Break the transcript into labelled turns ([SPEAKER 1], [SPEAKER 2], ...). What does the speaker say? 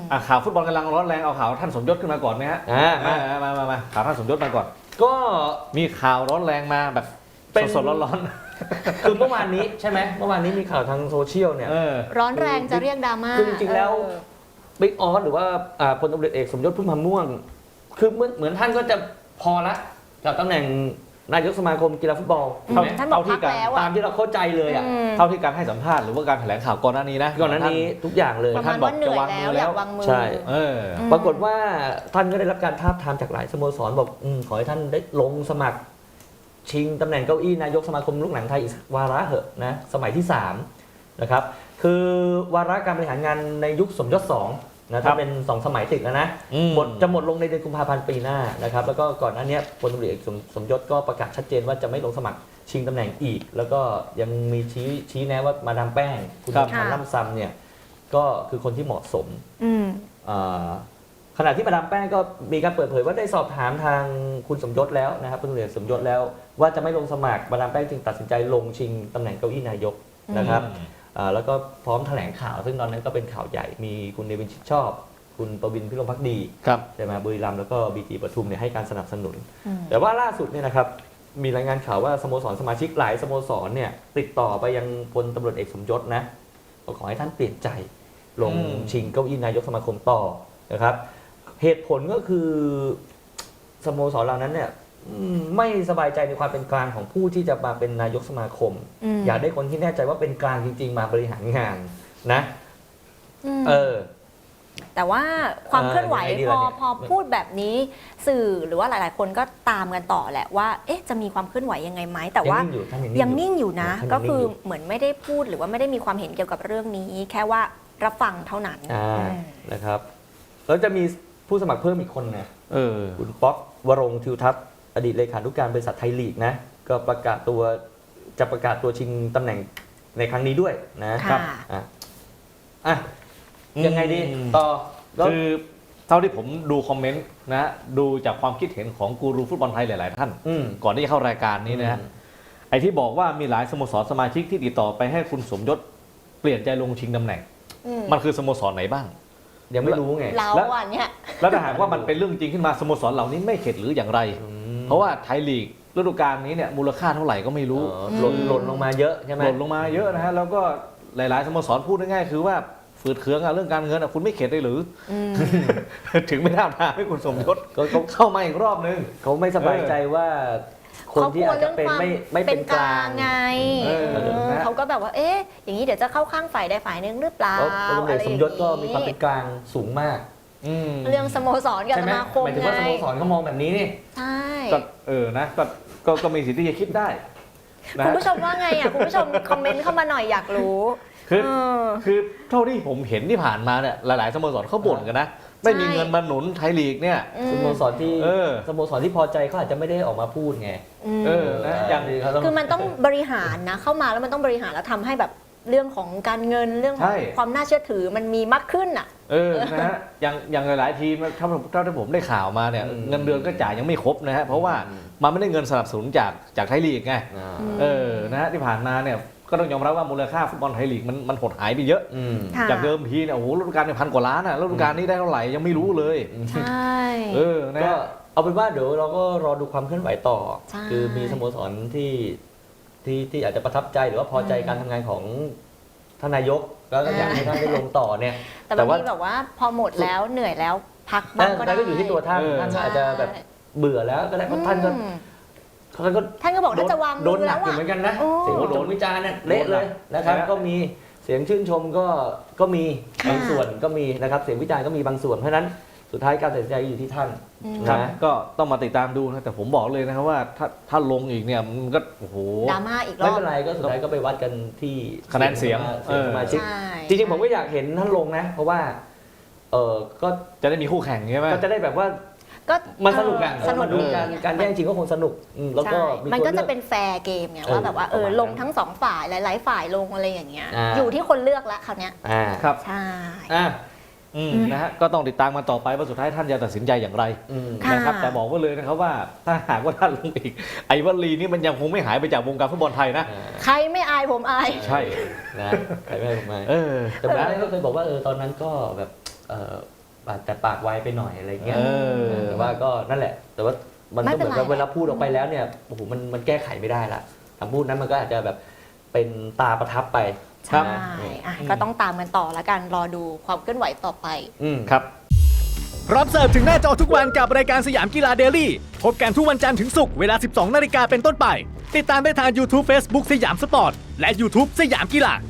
[SPEAKER 1] ข่าวฟุตบอลกำลังร้อนแรงเอาข่าวท่านสมยศขึ้นมาก่อนไหมฮะมาข่าวท่านสมยศมาก่อน
[SPEAKER 2] ก็
[SPEAKER 1] มีข่าวร้อนแรงมาแบบสดๆร้อน
[SPEAKER 2] ๆคือเมื่อวานนี้ใช่ไหมเมื่อวานนี้มีข่าวทางโซเชียลเนี่ย
[SPEAKER 3] ร้อนแรงจะเรียกดราม่า
[SPEAKER 2] คือจริงๆแล้วบิ๊กออสหรือว่าพลตำรวจเอกสมยศพุ่มพันธ์ม่วงคือเหมือนท่านก็จะพอละกับตำแหน่งนายกสมาคมกีฬาฟุตบอล
[SPEAKER 3] ท่านบอกพักแล้ว
[SPEAKER 2] ตามที่เราเข้าใจเลยอ่ะ
[SPEAKER 1] เท่าที่การให้สัมภาษณ์หรือว่าการแถลงข่าวก่อนหน้านี้นะ
[SPEAKER 2] ก่อนหน้านี้ทุกอย่างเลย
[SPEAKER 3] ท่านบอกจะวางมือแล้ว
[SPEAKER 2] ใช่ปรากฏว่าท่านก็ได้รับการทาบทามจากหลายสโมสรบอกขอให้ท่านได้ลงสมัครชิงตำแหน่งเก้าอี้นายกสมาคมลูกหนังไทยอีกวาระเหอะนะสมัยที่3นะครับคือวาระการบริหารงานในยุคสมยศ2นะถ้าเป็น2สมัยติดแล้วนะจะหมดลงในเดือนกุมภาพันธ์ปีหน้านะครับแล้วก็ก่อนหน้านี้พลตำรวจเอกสมยศก็ประกาศชัดเจนว่าจะไม่ลงสมัครชิงตำแหน่งอีกแล้วก็ยังมีชี้แนะว่ามาดามแป้งคุณธนาล่ำซำเนี่ยก็คือคนที่เหมาะสมขณะที่มาดามแป้งก็มีการเปิดเผยว่าได้สอบถามทางคุณสมยศแล้วนะครับพลตำรวจเอกสมยศแล้วว่าจะไม่ลงสมัครมาดามแป้งจึงตัดสินใจลงชิงตำแหน่งเก้าอี้นายกนะครับแล้วก็พร้อมแถลงข่าวซึ่งตอนนั้นก็เป็นข่าวใหญ่มีคุณเนวินชิดชอบคุณประวินพิรมภักดีใช่ไหมบุรีรัมย์แล้วก็บีจีปทุมเนี่ยให้การสนับสนุนแต่ว่าล่าสุดเนี่ยนะครับมีรายงานข่าวว่าสโมสรสมาชิกหลายสโมสรเนี่ยติดต่อไปยังพลตำรวจเอกสมยศนะขอให้ท่านเปลี่ยนใจลงชิงเก้าอี้นายกสมาคมต่อนะครับเหตุผลก็คือสโมสรเหล่านั้นเนี่ยไม่สบายใจในความเป็นกลางของผู้ที่จะมาเป็นนายกสมาคมอยากได้คนที่แน่ใจว่าเป็นกลางจริงๆมาบริหารงานนะ
[SPEAKER 3] แต่ว่าความเคลื่อนไหวพอพูดแบบนี้สื่อหรือว่าหลายๆคนก็ตามกันต่อแหละว่าเอ๊ะจะมีความเคลื่อนไหวยังไงไหมแต่ว่ายังนิ่งอยู่นะก็คือเหมือนไม่ได้พูดหรือว่าไม่ได้มีความเห็นเกี่ยวกับเรื่องนี้แค่ว่ารับฟังเท่านั้น
[SPEAKER 2] นะครับแล้วจะมีผู้สมัครเพิ่มอีกคนนะคุณป๊อกวรงค์ทิวทัศน์อดีตเลขานุการบริษัทไทยลีกนะก็ประกาศตัวชิงตำแหน่งในครั้งนี้ด้วยนะครับยังไงดีต่อ
[SPEAKER 1] คือเท่าที่ผมดูคอมเมนต์นะดูจากความคิดเห็นของกูรูฟุตบอลไทยหลายๆท่านก่อนที่จะเข้ารายการนี้นะฮะไอ้ที่บอกว่ามีหลายสโมสรสมาชิกที่ติดต่อไปให้คุณสมยศเปลี่ยนใจลงชิงตำแหน่งมันคือสโมสรไหนบ้าง
[SPEAKER 2] ยังไม่รู้ไง
[SPEAKER 3] แล้วเนี่ย
[SPEAKER 1] แล้วถ้าหากว่ามันเป็นเรื่องจริงขึ้นมาสโมสรเหล่านี้ไม่เข็ดหรืออย่างไรเพราะว่าไทยลีกฤดูกาลนี้เนี่ยมูลค่าเท่าไหร่ก็ไม่รู้
[SPEAKER 2] หล่นลงมาเยอะใช่ไหม
[SPEAKER 1] หล่นลงมาเยอะนะฮะแล้วก็หลายๆสโมสรพูดง่ายๆคือว่าฝืดเคืองเรื่องการเงินคุณไม่เข็ดได้หรือถึงไม่ได้มาให้คุณสมยศเข้ามาอีกรอบนึง
[SPEAKER 2] เขาไม่สบายใจว่าคนที่อาจจะเป็นไม่เป็นกลาง
[SPEAKER 3] ไงเขาก็แบบว่าเอ๊ะอย่างนี้เดี๋ยวจะเข้าข้างฝ่ายใดฝ่ายหนึ่งหรือเปล่า
[SPEAKER 2] อะไรสมยศก็มีความเป็นกลางสูงมาก
[SPEAKER 3] เรื่องสโมสรกับสมาคม
[SPEAKER 2] หมายถึงว่าสโมสรเขามองแบบนี้นี่
[SPEAKER 3] ใช่
[SPEAKER 1] นะก็มีสิทธิ์ที่จะคิดได้
[SPEAKER 3] คุณผู้ชมว่าไงอ่ะคุณผู้ชมคอมเมนต์เข้ามาหน่อยอยากรู้
[SPEAKER 1] คือเท่าที่ผมเห็นที่ผ่านมาเนี่ยหลายๆสโมสรเขาบ่นกันนะไม่มีเงินมาหนุนไทยลีกเนี่ย
[SPEAKER 2] สโมสรที่พอใจเขาอาจจะไม่ได้ออกมาพูดไง
[SPEAKER 3] อย่างคือมันต้องบริหารนะเข้ามาแล้วมันต้องบริหารแล้วทำให้แบบเรื่องของการเงินเรื่องของความน่าเชื่อถือมันมีมากขึ้นอ่ะ
[SPEAKER 1] นะฮะอย่างหลายๆทีมเท่าที่ผมได้ข่าวมาเนี่ยเงินเดือนก็จ่ายยังไม่ครบนะฮะเพราะว่ามันไม่ได้เงินสนับสนุนจากไทยลีกไงนะฮะที่ผ่านมาเนี่ยก็ต้องยอมรับว่ามูลค่าฟุตบอลไทยลีกมันหดหายไปเยอะจากเดิมทีเนี่ยโอ้โหฤดูกาล1,000 กว่าล้านอ่ะฤดูกาลนี้ได้เท่าไหร่ยังไม่รู้เลย
[SPEAKER 3] ใช่
[SPEAKER 2] ก็เอาเป็นว่าเดี๋ยวเราก็รอดูความเคลื่อนไหวต่อคือมีสโมสรที่อาจจะประทับใจหรือว่าพอใจการทำงานของท่านนายกแล้วก็อยากให้ท่านได้ลงต่อเนี่ย
[SPEAKER 3] แต่บางทีแบบว่าพอหมดแล้วเหนื่อยแล้วพักบ้างก็ได้
[SPEAKER 2] ก็อยู่ที่ตัวท่านอาจจะแบบเบื่อแล้วก็ได้เพราะท่าน
[SPEAKER 3] ก็บอกท่านจะวาง
[SPEAKER 2] มือแล้วเหมือนกันนะเสียงโดนวิจารณ์เนี่ยเละเลยนะครับก็มีเสียงชื่นชมก็มีบางส่วนก็มีนะครับเสียงวิจารณ์ก็มีบางส่วนเพราะนั้นสุดท้ายการตัดสินใจอยู่ที่ท่าน
[SPEAKER 1] นะก็ต้องมาติดตามดูนะแต่ผมบอกเลยนะครับว่าถ้าลงอีกเนี่ยมันก็โอ้โห
[SPEAKER 3] ดราม่าอีกรอบ
[SPEAKER 2] ไม่เป็นไรก็สุดท้ายก็ไปวัดกันที่
[SPEAKER 1] คะแนนเสียง
[SPEAKER 2] สมาชิกจริงๆผมก็อยากเห็นท่านลงนะเพราะว่าก็
[SPEAKER 1] จะได้มีคู่แข่งใช่ไหม
[SPEAKER 2] ก็จะได้แบบว่ามันสนุกอ่ะสนุกการแย่งชิงก็คงสนุกแล้วก็
[SPEAKER 3] มันก็จะเป็นแฟร์เกมไงว่าแบบว่าลงทั้ง2ฝ่ายหลายๆฝ่ายลงอะไรอย่างเงี้ยอยู่ที่คนเลือกละคราวเนี้ย
[SPEAKER 1] ครับ
[SPEAKER 3] ใช่
[SPEAKER 1] นะฮะก็ต้องติดตามมาต่อไปว่าสุดท้ายท่านจะตัดสินใจอย่างไรนะครับแต่บอกไว้เลยนะครับว่าถ้าหากว่าท่านลงอีกไอ้วลีนี้มันยังคงไม่หายไปจากวงการฟุตบอลไทยนะ
[SPEAKER 3] ใครไม่อายผมอาย
[SPEAKER 1] ใช่
[SPEAKER 2] นะใครไม่อายผมอายแต่ผมก็เคยบอกว่าตอนนั้นก็แบบแต่ปากไวไปหน่อยอะไรเงี้ย
[SPEAKER 1] เออ
[SPEAKER 2] แต่ว่าก็นั่นแหละ แต่ว่ามัน
[SPEAKER 3] ไม่
[SPEAKER 2] ก็
[SPEAKER 3] เป็
[SPEAKER 2] เห
[SPEAKER 3] น
[SPEAKER 2] มือน
[SPEAKER 3] ไร
[SPEAKER 2] กับเวลาพูดออกไปแล้วเนี่ยโอ้โหมันแก้ไขไม่ได้ละคำพูดนั้นมันก็อาจจะแบบเป็นตาประทับไป
[SPEAKER 3] ใช่
[SPEAKER 2] นะ
[SPEAKER 3] อ่ะก็ต้องตามกันต่อแล้วกันรอดูความเคลื่อนไหวต่อไป
[SPEAKER 1] ครับ
[SPEAKER 4] พร้อมเสิร์ฟถึงหน้าจอทุกวันกับรายการสยามกีฬาเดลี่พบกันทุกวันจันทร์ถึงศุกร์เวลา 12 นาฬิกาเป็นต้นไป ติดตามได้ทาง YouTube Facebook สยามสปอร์ต และ YouTube สยามกีฬา